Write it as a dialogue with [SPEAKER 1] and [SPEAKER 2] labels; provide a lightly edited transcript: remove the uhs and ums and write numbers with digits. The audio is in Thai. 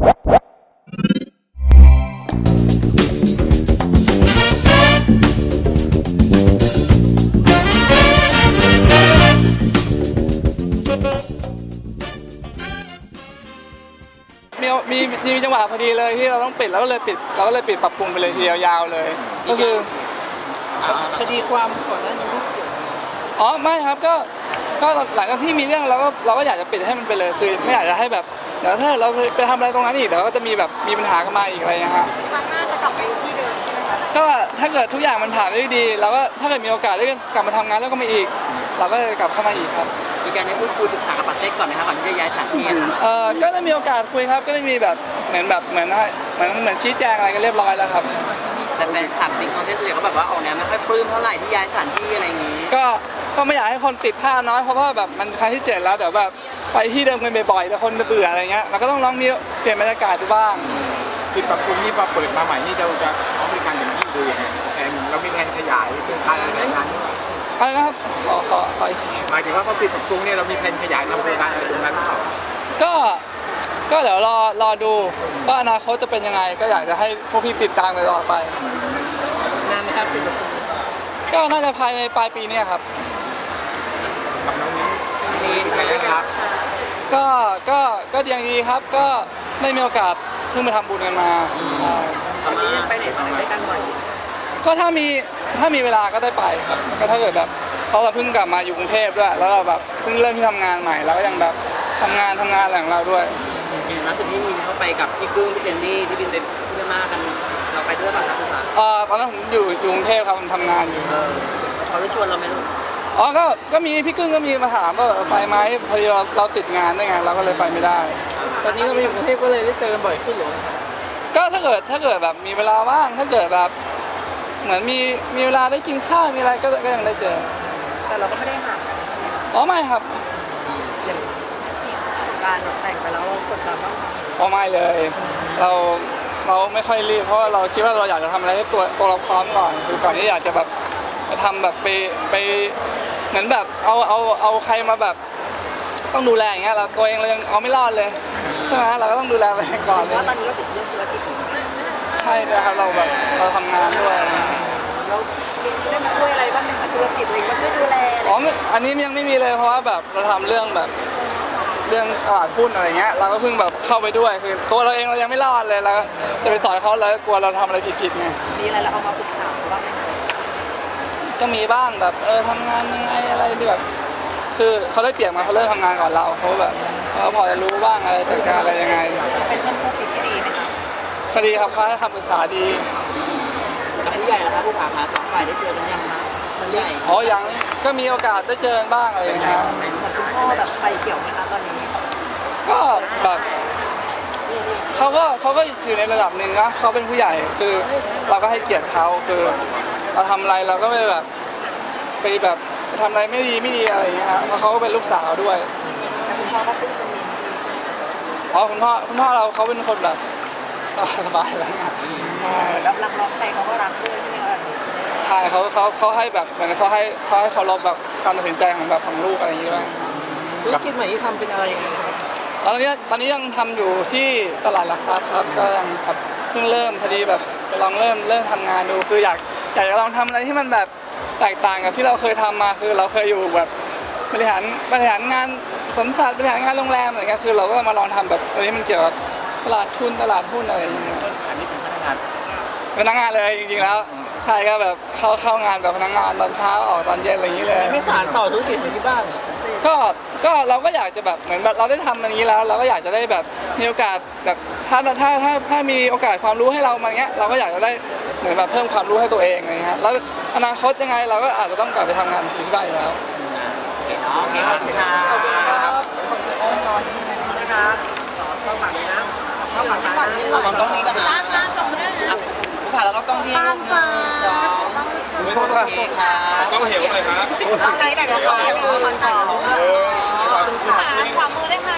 [SPEAKER 1] มีจังหวะพอดีเลยที่เราต้องปิดเราก็เลยปิดปรับปรุงไปเลยทีเดียวยาวเลยก็คือ
[SPEAKER 2] คดีความก่อนหน้านี้เกี่ยว
[SPEAKER 1] อ๋อไม่ครับก็หลังจากที่มีเรื่องเราก็อยากจะปิดให้มันไปเลยคือไม่อยากจะให้แบบเดี๋ยวถ้าเราไปทำอะไรตรงนั้นอีกเดี๋ยวก็จะมีปัญหากันมาอีกอะไรนะฮะ
[SPEAKER 3] ครั้งหน้าจะกลับไปที่เดิมใช่ไหมคะ
[SPEAKER 1] ก็ถ้าเกิดทุกอย่างมันผ่านได้ดีเราก็ถ้าเกิดมีโอกาสได้กลับมาทำงานแล้วก็มาอีกเราก็จะกลับเข้ามาอีกครับ
[SPEAKER 2] มีการได้พูดคุยปรึกษากับปัตเต้ก่อนไหมครับก่อนที่จะย้ายสถานที่
[SPEAKER 1] ก็ได้มีโอกาสคุยครับก็ได้มีแบบเหมือนชี้แจงอะไรกันเรียบร้อยแล้วครับ
[SPEAKER 2] แต่แฟนคลับติ๊กเขาเฉยๆเขาแบบว่าออกแนวไม่ค่อยปลื้มเท่าไหร่ที่ย้ายสถานที่อะไรอย่างนี้
[SPEAKER 1] ก็ไม่อยากให้คนติดภาพน้อยเพราะว่าแบบมันครั้งที่7แล้วเดี๋ยวแบบไปที่เดิมกันบ่อยๆแต่คนจะเบื่ออะไรเงี้ยเราก็ต้องลองเปลี่ยนบรรยากาศดูบ้าง
[SPEAKER 4] ปิดปรับปรุงนี่พอเปิดมาใหม่นี่เราจะบริการอย่างที่ดูยังไงแทนเรามีแผนขยายเป็นการอะไรงาน
[SPEAKER 1] อะไรนะครับขอ
[SPEAKER 4] หมายถึงว่าพอปิดปรับปรุงเนี่ยเรามีแผนขยายทำโครงการอะไรตรงนั้นหรือเปล่า
[SPEAKER 1] ก็เดี๋ยวรอดูว่าอนาคตจะเป็นยังไงก็อยากจะให้พวกพี่ติดตามไปต่อไป
[SPEAKER 2] นานไหมครับปิดปรับปรุง
[SPEAKER 1] ก็น่าจะภายในปลายปีนี้ครับ
[SPEAKER 4] กับน้องนี้เป็นไงครับ
[SPEAKER 1] ก็ยังดีครับก็ได้มีโอกาสเพิ่งไปทำบุญกันมา
[SPEAKER 2] ตอนนี้ยังไปไหนมาไหนได้กันบ่อย
[SPEAKER 1] ก็ถ้ามีเวลาก็ได้ไปครับก็ถ้าเกิดแบบเขาเพิ่งกลับมาอยู่กรุงเทพด้วยแล้วเราแบบเพิ่งเริ่มที่ทำงานใหม่แล้วก็ยังแบบทำงานอะไรของเราด้วย
[SPEAKER 2] ล่าสุดที่มินเข้าไปกับพี่กึ้งพี่เจนนี่ที่บินไปเพื่อนมากันเราไปด้วยป่ะครับคุณผา
[SPEAKER 1] ตอนนั้นผมอยู่กรุงเทพครับผมทำงานอยู่
[SPEAKER 2] เขาได้ชวนเราไหมลูก
[SPEAKER 1] ก็มีพี่กึ้งก็มีมาถามว่าไปไหมพอดีเราติดงานด้วยไงเราก็เลยไปไม่ได้ตอนนี้เราไปอยู่กรุงเทพก็เลยได้เจอกันบ่อยขึ้นหรือก็ถ้าเกิดแบบมีเวลาว่างถ้าเกิดแบบเหมือนมีเวลาได้กินข้าวมีอะไรก็ยังได้เจอ
[SPEAKER 3] แต่เราก็ไม่ได้ห่างกันใช่ไหม
[SPEAKER 1] ไม่ครับ
[SPEAKER 3] อย่างการแต่งไปแล้วเรากดดันบ้าง
[SPEAKER 1] ไม่เลยเราไม่ค่อยรีบเพราะเราคิดว่าเราอยากจะทำอะไรให้ตัวเราพร้อมก่อนคือก่อนที่อยากจะแบบทำแบบไปเหมือนแบบเอาใครมาแบบต้องดูแลอย่างเงี้ยเราตัวเองเรายังเอาไม่รอดเลยใช่ไหมเราก็ต้องดูแลตัวเองก่อน
[SPEAKER 3] ว่าตอนนี้เราติดเรื่องธุรกิจใช่ไหม
[SPEAKER 1] ใช่นะครับเราทำงานด้วย
[SPEAKER 3] เราได้มาช่วยอะไรบ้างไหมคะธุรกิจตัวเองมาช่วยดูแล
[SPEAKER 1] อันนี้ยังไม่มีเลยเพราะว่าแบบเราทำเรื่องตลาดหุ้นอะไรเงี้ยเราก็เพิ่งแบบเข้าไปด้วยคือตัวเราเองเรายังไม่รอดเลยแล้วจะไปสอนเขาแล้วกลัวเราทำอะไรผิดไง
[SPEAKER 3] มีอะไรเราเอามาปรึกษาบ้างไหม
[SPEAKER 1] ก็มีบ้างแบบทำงานยังไงอะไรแบบคือเขาได้เปรียบมาเขาเริ่มทำงานก่อนเราเขาแบบเขาพอจะรู้บ้างอะไรจัดการอะไรยังไง
[SPEAKER 3] เป็นเพื่อนคู่คิดที่ดีไหมคะ
[SPEAKER 1] คดีครับเขาให้คำปรึกษาดี
[SPEAKER 2] กับผู้ใหญ่ล่ะครับผู้ผ่าสองฝ่ายได้เจอกันยังคะผู้ใหญ่
[SPEAKER 1] ยังก็มีโอกาสได้เจอบ้างอะไรอย่างเงี้ย
[SPEAKER 3] คุณพ่อแบบไฟเขียวไหมคะตอนนี้
[SPEAKER 1] ก็แบบเขาก็อยู่ในระดับหนึ่งนะเขาเป็นผู้ใหญ่คือเราก็ให้เกียรติเขาคือเราทำอะไรเราก็ไม่แบบไปแบบทำอะไรไม่ดีอะไรอย่างเงี้ยครับเพราะเขาก็เป็นลูกสาวด้วย
[SPEAKER 3] คุณพ่อก็ตื้นเป็นมินดีใช่ไหม
[SPEAKER 1] คุณพ่อเราเขาเป็นคนแบบสบายอะไรเงี้ย
[SPEAKER 3] ใช่แล้วรักใครเขาก็รักด้วยใช่ไหมคะ
[SPEAKER 1] ใช่เขาให้แบบเหมือนเขาให้เคารพแบบการตัดสินใจของลูกอะไรอย่างเงี้ยด้วย
[SPEAKER 2] ธุรกิจใหม่ที่ทำเป็นอะไรยังไงครับ
[SPEAKER 1] ตอนนี้ยังทำอยู่ที่ตลาดหลักทรัพย์ครับก็ยังแบบเพิ่งเริ่มพอดีแบบลองเริ่มทำงานดูคืออยากจะลองทำอะไรที่มันแบบแตกต่างกับที่เราเคยทำมาคือเราเคยอยู่แบบบริหารงานสวนสัตว์บริหารงานโรงแรมอะไรเงี้ยคือเราก็มาลองทำแบบอะไรที่มันเกี่ยวกับตลาดหุ้นอะไรอย่างเงี้ย
[SPEAKER 4] อันนี้เป็นพนัก
[SPEAKER 1] งานเลยจริงๆแล้วใช่ก็แบบเข้างานแบบพนักงานตอนเช้าออกตอนเย็นอะไรอย่างเงี้ยเลย
[SPEAKER 2] ไม่สานต่อธุรกิจที่บ้าน
[SPEAKER 1] ก็เราก็อยากจะแบบเหมือนแบบเราได้ทำอย่างนี้แล้วเราก็อยากจะได้แบบมีโอกาสแบบถ้ามีโอกาสความรู้ให้เรามาเงี้ยเราก็อยากจะได้เหมือนแบบเพิ่มความรู้ให้ตัวเองอะไรเงี้ยแล้วอนาคตยังไงเราก็อาจจะต้องกลับไปทำงานที่บ้านแล้ว
[SPEAKER 2] โอเคครับ
[SPEAKER 1] ขอบคุณครับ
[SPEAKER 2] นะครับเข้าฝั่งนี้นะเข้าฝั่งนี้นะมองกล้องนี้กันนะผู้ผ่าแล้วก็กล้องที่ลูกนึงจอโอเคครับ
[SPEAKER 4] ต้องเหวเลยครับ
[SPEAKER 3] ต้องใจแต่ละคนขอบคุณค่ะขวามือได้ค่ะ